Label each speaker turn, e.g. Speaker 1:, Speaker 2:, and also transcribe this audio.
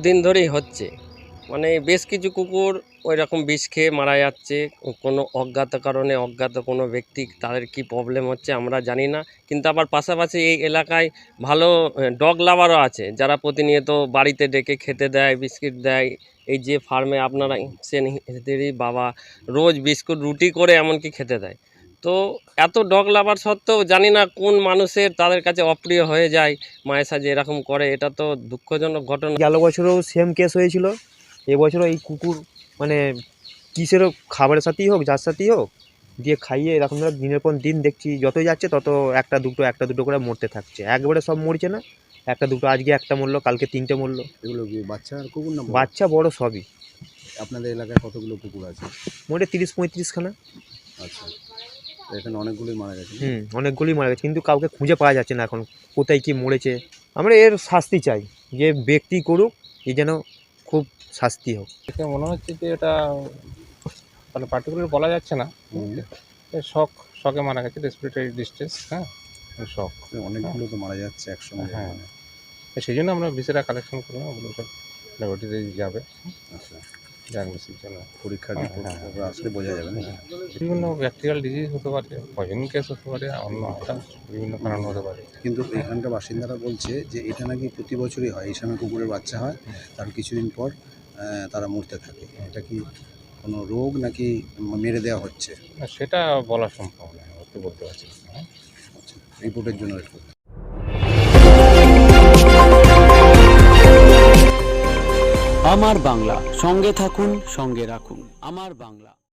Speaker 1: বহুদিন ধরেই হচ্ছে। মানে বেশ কিছু কুকুর ওই রকম বিষ খেয়ে মারা যাচ্ছে। কোনো অজ্ঞাত কারণে অজ্ঞাত কোনো ব্যক্তি তাদের কি প্রবলেম হচ্ছে আমরা জানি না। কিন্তু আবার পাশাপাশি এই এলাকায় ভালো ডগ লাভারও আছে, যারা প্রতিনিয়ত বাড়িতে ডেকে খেতে দেয়, বিস্কিট দেয়। এই যে ফার্মে আপনারা এসেছেন, এদেরই বাবা রোজ বিস্কুট রুটি করে এমনকি খেতে দেয়। তো এত ডগ লাভার সত্ত্বেও জানি না কোন মানুষের তাদের কাছে অপ্রিয় হয়ে যায়, মায়ের সাথে এরকম করে। এটা তো দুঃখজনক ঘটনা।
Speaker 2: গেল বছরও সেম কেস হয়েছিল, এবছরও এই কুকুর মানে কিসেরও খাবারের সাথেই হোক, যার সাথেই হোক, দিয়ে খাইয়ে এরকম ধরে দিনের পর দিন দেখছি যতই যাচ্ছে তত একটা দুটো করে মরতে থাকছে। একবারে সব মরছে না, একটা দুটো, আজকে একটা মরলো, কালকে তিনটে মরলো।
Speaker 3: এগুলো কি বাচ্চা আর কুকুর না বড়?
Speaker 2: বাচ্চা বড় সবই।
Speaker 3: আপনাদের এলাকায় কতগুলো কুকুর আছে?
Speaker 2: মোটে 30-35খানা।
Speaker 3: আচ্ছা, তো এখানে অনেকগুলোই মারা গেছে।
Speaker 2: অনেকগুলি মারা গেছে, কিন্তু কাউকে খুঁজে পাওয়া যাচ্ছে না এখন কোথায় কি মরেছে। আমরা এর শাস্তি চাই, যে ব্যক্তি করুক এ যেন খুব শাস্তি হোক।
Speaker 4: দেখে মনে হচ্ছে যে এটা মানে পার্টিকুলার বলা যাচ্ছে না, শখে মারা গেছে, রেসপিরেটরি ডিস্ট্রেস। হ্যাঁ, শখ।
Speaker 3: অনেকগুলো তো মারা যাচ্ছে একসঙ্গে।
Speaker 4: হ্যাঁ, সেই জন্য আমরা ভিসেরা কালেকশন করলাম, ওগুলো সব ল্যাবরেটরিতে যাবে।
Speaker 3: আচ্ছা,
Speaker 4: ডায়াগনোসিসের জন্য
Speaker 3: পরীক্ষার রিপোর্ট আসলে বোঝা যাবে না?
Speaker 4: বিভিন্ন ব্যাকটেরিয়াল ডিজিজ হতে পারে, পয়জনিং কেস হতে পারে, অন্য বিভিন্ন কারণ হতে পারে।
Speaker 3: কিন্তু এখানকার বাসিন্দারা বলছে যে এটা নাকি প্রতি বছরই হয়, এই সময় কুকুরের বাচ্চা হয়, তার কিছুদিন পর তারা মরতে থাকে। এটা কি কোনো রোগ নাকি মেরে দেওয়া হচ্ছে?
Speaker 4: না, সেটা বলা সম্ভব নয়, ওকে বলতে পারছি না।
Speaker 3: আচ্ছা, রিপোর্টের জন্য ওয়েট করতে।
Speaker 5: আমার বাংলা, সঙ্গে থাকুন, সঙ্গে রাখুন। আমার বাংলা।